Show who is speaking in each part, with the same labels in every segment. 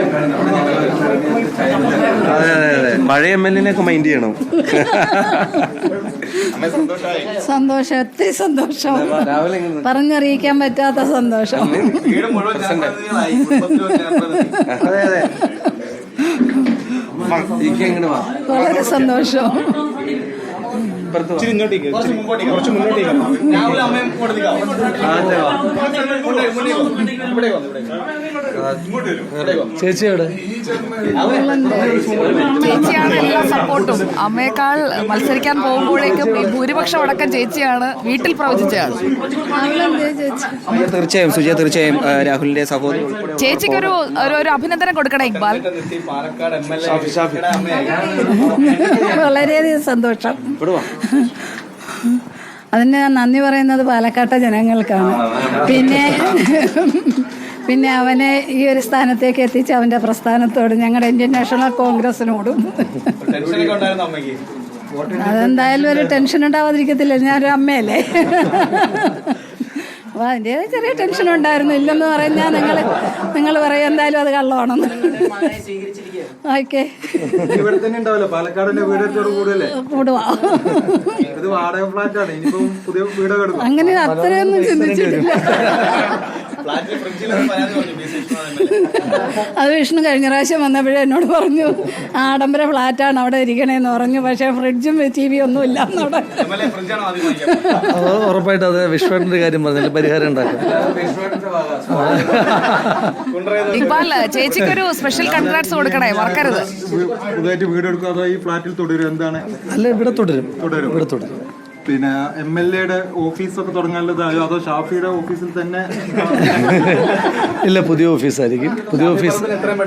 Speaker 1: അതെ അതെ അതെ, പഴയ MLA ഒക്കെ മൈൻഡ് ചെയ്യണം.
Speaker 2: സന്തോഷം, ഒത്തിരി സന്തോഷം, പറഞ്ഞറിയിക്കാൻ പറ്റാത്ത സന്തോഷം. വളരെ സന്തോഷം.
Speaker 1: ചേച്ചിയോട്
Speaker 3: ചേച്ചിയാണ് എല്ലാ സപ്പോർട്ടും. അമ്മയേക്കാൾ മത്സരിക്കാൻ പോകുമ്പോഴേക്കും ഈ ഭൂരിപക്ഷം അടക്കം ചേച്ചിയാണ് വീട്ടിൽ പ്രവചിച്ചതാണ്.
Speaker 4: തീർച്ചയായും സുജയ, തീർച്ചയായും രാഹുലിന്റെ സഹോദരി
Speaker 3: ചേച്ചിക്കൊരു ഒരു അഭിനന്ദനം കൊടുക്കണം ഇക്ബാൽ.
Speaker 2: വളരെയധികം സന്തോഷം. അതിന് ഞാൻ നന്ദി പറയുന്നത് പാലക്കാട്ടെ ജനങ്ങൾക്കാണ്. പിന്നെ അവനെ ഈ ഒരു സ്ഥാനത്തേക്ക് എത്തിച്ച അവൻ്റെ പ്രസ്ഥാനത്തോട്, ഞങ്ങളുടെ ഇന്ത്യൻ നാഷണൽ കോൺഗ്രസിനോടും. അതെന്തായാലും ഒരു ടെൻഷൻ ഉണ്ടാവാതിരിക്കത്തില്ല, ഞാനൊരു അമ്മയല്ലേ. അപ്പോൾ അതിൻ്റെ ചെറിയ ടെൻഷൻ ഉണ്ടായിരുന്നു. ഇല്ലെന്ന് പറഞ്ഞാൽ നിങ്ങൾ പറയും എന്തായാലും അത് കള്ളമാണെന്ന്. ഓക്കെ, കൂടുവാ. അങ്ങനെ അത്രയൊന്നും ചിന്തിച്ചിട്ടില്ല. അത് വിഷ്ണു കഴിഞ്ഞ പ്രാവശ്യം വന്നപ്പോഴേ എന്നോട് പറഞ്ഞു ആഡംബര ഫ്ലാറ്റാണ് അവിടെ ഇരിക്കണേന്ന് പറഞ്ഞു. പക്ഷേ ഫ്രിഡ്ജും TV ഒന്നും ഇല്ല എന്നവിടെ.
Speaker 1: ഉറപ്പായിട്ട് അത് വിശ്വന്റെ കാര്യം പറഞ്ഞാൽ പരിഹാരം ഉണ്ടാക്കും.
Speaker 3: ഇക്ബാൽ, ചേച്ചിക്കൊരു സ്പെഷ്യൽ കൺഗ്രാറ്റ്സ് കൊടുക്കണേ, മറക്കരുത്.
Speaker 5: പുതുതായിട്ട് വീട് എടുക്കുക അതോ ഈ ഫ്ലാറ്റിൽ തുടരും? എന്താണ്?
Speaker 1: അല്ല, ഇവിടെ തുടരും. ഇവിടെ തുടരും.
Speaker 5: പിന്നെ MLA-യുടെ ഓഫീസൊക്കെ തുടങ്ങാനുള്ളതായോ അതോ ഷാഫിയുടെ ഓഫീസിൽ തന്നെ?
Speaker 1: ഇല്ല, പുതിയ ഓഫീസായിരിക്കും. പുതിയ ഓഫീസ്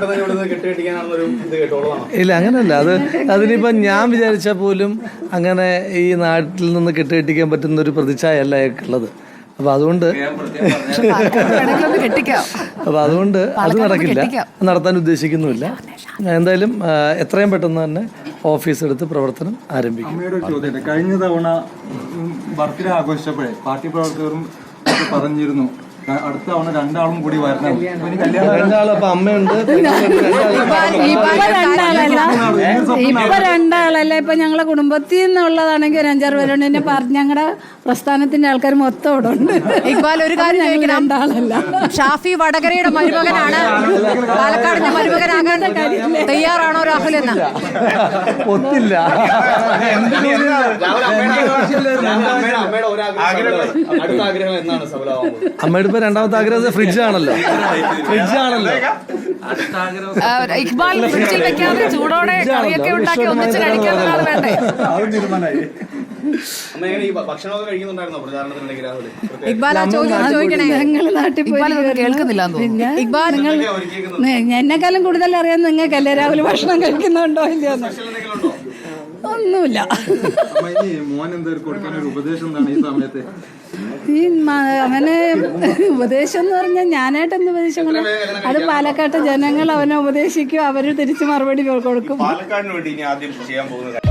Speaker 1: ഇല്ല, അങ്ങനെയല്ല. അതിനിപ്പം ഞാൻ വിചാരിച്ചാൽ പോലും അങ്ങനെ ഈ നാട്ടിൽ നിന്ന് കെട്ടുകെട്ടിക്കാൻ പറ്റുന്ന ഒരു പ്രതിച്ഛായല്ല അയാൾക്കുള്ളത്. അപ്പോൾ അതുകൊണ്ട് അത് നടക്കില്ല, നടത്താൻ ഉദ്ദേശിക്കുന്നുമില്ല. എന്തായാലും എത്രയും പെട്ടെന്ന് തന്നെ ഓഫീസ് എടുത്ത് പ്രവർത്തനം ആരംഭിക്കും.
Speaker 5: അമ്മയുടെ ഒരു ചോദ്യം, കഴിഞ്ഞ തവണ ബർത്ത്ഡേ ആഘോഷിച്ചപ്പോഴേ പാർട്ടി പ്രവർത്തകരും പറഞ്ഞിരുന്നു അടുത്ത തവണ രണ്ടാളും കൂടി വരണം.
Speaker 1: രണ്ടാളപ്പം അമ്മയുണ്ട്,
Speaker 2: ഇപ്പൊ രണ്ടാളല്ല. ഇപ്പൊ ഞങ്ങളെ കുടുംബത്തിൽ നിന്നുള്ളതാണെങ്കിൽ ഒരു 5-6 പേരുണ്ട്. പിന്നെ ഞങ്ങളുടെ പ്രസ്ഥാനത്തിന്റെ ആൾക്കാർ മൊത്തം ഇവിടെ ഉണ്ട്.
Speaker 3: ഇക്ബാൽ, ഒരു കാര്യം ചോദിക്കണം,
Speaker 2: രണ്ടാളല്ല.
Speaker 3: ഷാഫി വടകരയുടെ മരുമകനാണ്. പാലക്കാടിന്റെ മരുമകനാകാൻ തയ്യാറാണോ രാഹുൽ എന്ന്?
Speaker 1: ഒത്തില്ല. അമ്മയുടെ ഇപ്പൊ രണ്ടാമത്തെ ആഗ്രഹം ഫ്രിഡ്ജാണല്ലോ.
Speaker 3: ഇക്ബാൽ, ഫ്രിഡ്ജിൽ വെക്കാതെ ചൂടോടെ കറിയൊക്കെ ഉണ്ടാക്കി ഒന്നിച്ച് കഴിക്കാനാണ് വേണ്ടേ? ഇക്ബാൽ, ആ ചോദ്യം ചോദിക്കണേ.
Speaker 2: ഞങ്ങള് നാട്ടിൽ പോയി
Speaker 3: കേൾക്കുന്നില്ല.
Speaker 2: ഇക്ബാൽ, എന്നെക്കാളും കൂടുതൽ അറിയാൻ നിങ്ങൾക്കല്ലേ രാഹുൽ ഭക്ഷണം കഴിക്കുന്നുണ്ടോ ഇല്ലയോ? ഒന്നുമില്ല.
Speaker 5: മോൻ എന്തായാലും കൊടുക്കാനൊരു ഉപദേശം എന്താണ് ഈ സമയത്ത്?
Speaker 2: ഈ അവനെ ഉപദേശം എന്ന് പറഞ്ഞാൽ ഞാനായിട്ടെന്ത് ഉപദേശം? അത് പാലക്കാട്ടെ ജനങ്ങൾ അവനെ ഉപദേശിക്കും, അവർ തിരിച്ച് മറുപടി കൊടുക്കും.
Speaker 6: പാലക്കാടിന് വേണ്ടി ഇനി ആദ്യം ചെയ്യാൻ പോകുന്നത്